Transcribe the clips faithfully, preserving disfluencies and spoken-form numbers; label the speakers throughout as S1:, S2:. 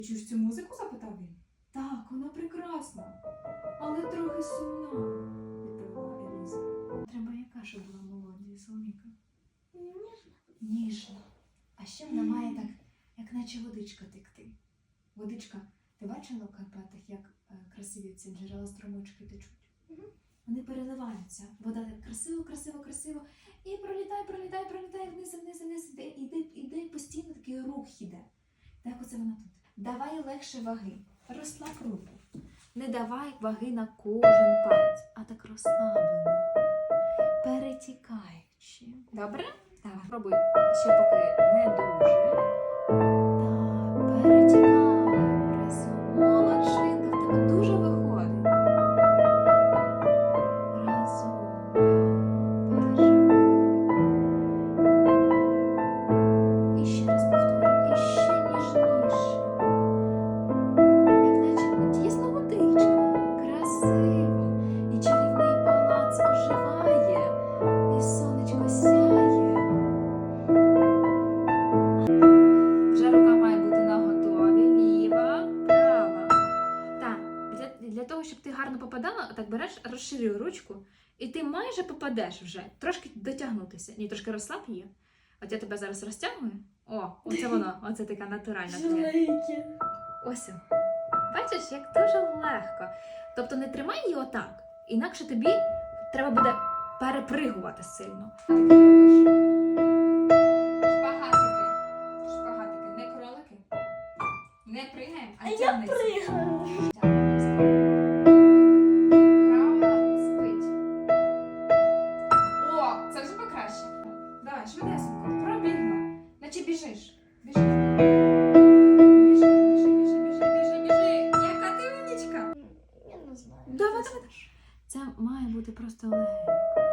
S1: Ти чуєш цю музику? Запитав він. Так, вона прекрасна, але трохи сумна, відповіла Еліза. Треба яка ж була мелодія, Соломіка?
S2: Ніжна.
S1: Ніжна. А ще вона має так, як наче водичка текти. Водичка. Ти бачила в Карпатах, як е, красиві ці джерела струмочки течуть?
S2: Угу.
S1: Вони переливаються. Вода так красиво, красиво, красиво. І пролітає, пролітає, пролітає вниз, вниз, вниз, іде, іде, іде постійно такий рух іде. Так оце вона тут. Давай легше ваги. Розслаб руку. Не давай ваги на кожен палець, а так розслаблено. Перетікаючи. Добре? Так, пробуй ще поки не дуже. Так, перетікаємо разом. Молодчинка, в тебе дуже виходить. Разом. Переживай. І ще раз повторюю. І ще ніжніше. Як наче дійсно водичка. Красива. І чарівний палац оживає. І сонечко сяє. Вже рука має бути наготові. Ліва, права. Так, для, для того, щоб ти гарно попадала, так береш, розширюй ручку, і ти майже попадеш вже. Трошки дотягнутися. Ні, трошки розслаб її. От я тебе зараз розтягую. О, оце воно. Оце така натуральна твоя.
S2: Жалейки.
S1: Ось. Бачиш, як дуже легко. Тобто не тримай її отак, інакше тобі треба буде перепригувати сильно. Шпагатики. Шпагатики. Не кролики. Не пригаємо,
S2: А
S1: а
S2: я
S1: тягнеться.
S2: пригаю.
S1: Права спить. О, це вже покраще. Давай, швидесенько. Пробігла. Наче біжиш. Біжи. Біжи, біжи, біжи, біжи, біжи, біжи. Яка ти умнічка.
S2: Я не знаю.
S1: Давай, давай. Це має бути просто легенько.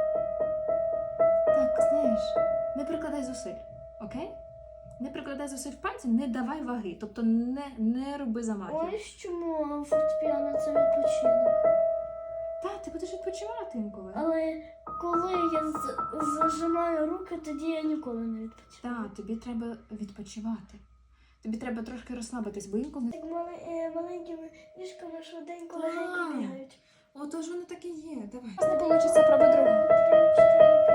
S1: Так, знаєш, не прикладай зусиль, окей? Не прикладай зусиль пальцем, не давай ваги, тобто не, не роби замахів.
S2: Ось чому фортепіано це відпочинок.
S1: Так, ти будеш відпочивати інколи.
S2: Але коли я з- зажимаю руки, тоді я ніколи не відпочиваю.
S1: Так, тобі треба відпочивати. Тобі треба трошки розслабитись, бо інколи...
S2: Так мали- е, маленькими ніжками швиденько
S1: Так.
S2: легенько бігають.
S1: Отож воно так і є, давай. Не вийде, пробуй другу.
S2: Три, чотири,